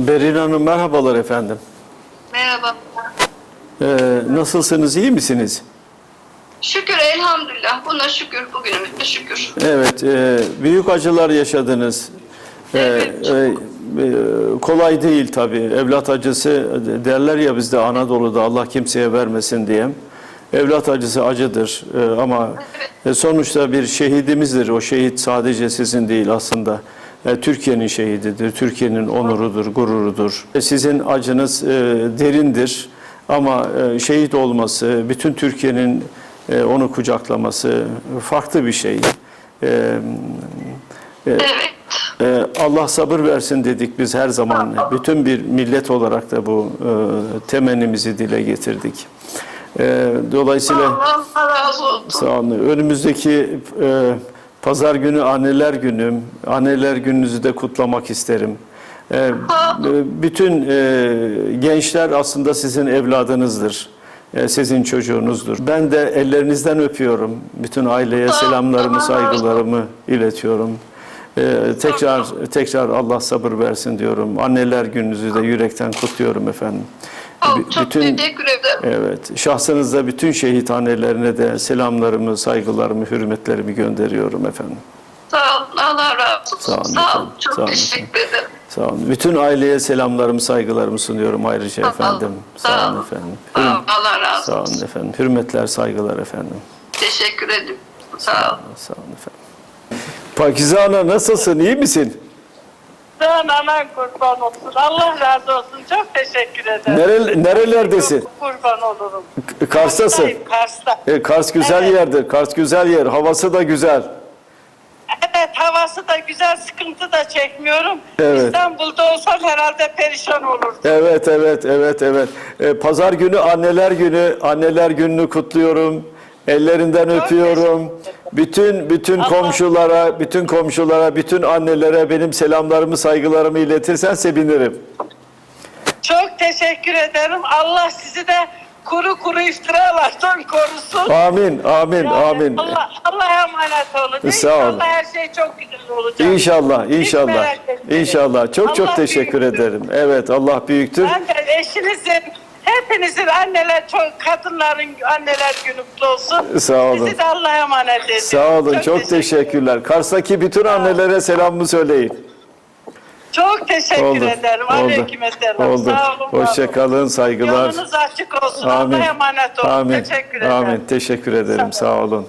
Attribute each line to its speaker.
Speaker 1: Berin Hanım merhabalar efendim.
Speaker 2: Merhaba.
Speaker 1: Nasılsınız, iyi misiniz?
Speaker 2: Şükür elhamdülillah. Buna şükür. Bugünümüzde şükür.
Speaker 1: Evet, büyük acılar yaşadınız.
Speaker 2: Evet.
Speaker 1: Kolay değil tabii. Evlat acısı derler ya bizde Anadolu'da Allah kimseye vermesin diye. Evlat acısı acıdır ama sonuçta bir şehidimizdir. O şehit sadece sizin değil aslında. Türkiye'nin şehididir, Türkiye'nin onurudur, gururudur. Sizin acınız derindir ama şehit olması, bütün Türkiye'nin onu kucaklaması farklı bir şey.
Speaker 2: Evet.
Speaker 1: Allah sabır versin dedik biz her zaman. Bütün bir millet olarak da bu temennimizi dile getirdik. Dolayısıyla
Speaker 2: Allah razı olsun.
Speaker 1: sağ olun. Önümüzdeki Pazar günü Anneler Günü. Anneler Gününüzü de kutlamak isterim. Bütün gençler aslında sizin evladınızdır. Sizin çocuğunuzdur. Ben de ellerinizden öpüyorum. Bütün aileye selamlarımı, saygılarımı iletiyorum. Tekrar Allah sabır versin diyorum. Anneler Gününüzü de yürekten kutluyorum efendim.
Speaker 2: Çok teşekkür ederim.
Speaker 1: Evet, şahsınızda bütün şehit annelerine de selamlarımı, saygılarımı, hürmetlerimi gönderiyorum efendim.
Speaker 2: Sağ olun. Allah razı olsun.
Speaker 1: Sağ olun
Speaker 2: Sağ olun.
Speaker 1: efendim,
Speaker 2: Çok
Speaker 1: sağ olun
Speaker 2: teşekkür ederim.
Speaker 1: Sağ olun. Bütün aileye selamlarımı, saygılarımı sunuyorum ayrıca efendim. Sağ olun efendim.
Speaker 2: Sağ olun. Allah razı
Speaker 1: Sağ
Speaker 2: olsun.
Speaker 1: olun efendim. Hürmetler, saygılar efendim.
Speaker 2: Teşekkür ederim. Sağ olun.
Speaker 1: Sağ olun efendim. Pakize Ana nasılsın? İyi misin?
Speaker 3: Sen anan kurban olsun. Allah razı olsun. Çok teşekkür ederim.
Speaker 1: Nerelerdesin?
Speaker 3: Çok kurban olurum.
Speaker 1: Kars'tasın.
Speaker 3: Karşıdayım, Kars'ta.
Speaker 1: Kars güzel
Speaker 3: Evet.
Speaker 1: yerdir. Kars güzel yer. Havası da güzel.
Speaker 3: Evet, havası da güzel, sıkıntı da çekmiyorum.
Speaker 1: Evet.
Speaker 3: İstanbul'da olsam herhalde perişan olurdum.
Speaker 1: Evet. Pazar günü Anneler Günü'nü kutluyorum. Ellerinden öpüyorum. Bütün komşulara, bütün annelere benim selamlarımı, saygılarımı iletirsen sevinirim.
Speaker 3: Çok teşekkür ederim. Allah sizi de kuru iftiralardan korusun.
Speaker 1: Amin.
Speaker 3: Yani
Speaker 1: Amin.
Speaker 3: Allah'a emanet olun.
Speaker 1: Sağ olun.
Speaker 3: İnşallah her şey çok güzel olacak.
Speaker 1: İnşallah.
Speaker 3: Hiç merak etmeyin.
Speaker 1: İnşallah. Çok
Speaker 3: Allah
Speaker 1: teşekkür
Speaker 3: büyüktür.
Speaker 1: ederim. Evet, Allah büyüktür.
Speaker 3: Ben de eşinizin, hepinizin kadınların anneler günü kutlu olsun.
Speaker 1: Sağ olun.
Speaker 3: Sizi de Allah'a emanet edin.
Speaker 1: Sağ olun. Çok teşekkürler. Kars'taki bütün annelere selamımı söyleyin.
Speaker 3: Çok teşekkür ederim. Aleykümselam.
Speaker 1: Oldu.
Speaker 3: Sağ olun.
Speaker 1: Hoşça kalın. Saygılar.
Speaker 3: Yolunuz açık olsun.
Speaker 1: Amin.
Speaker 3: Allah'a emanet olun.
Speaker 1: Amin.
Speaker 3: Teşekkür ederim.
Speaker 1: Amin. Teşekkür ederim. Sağ olun.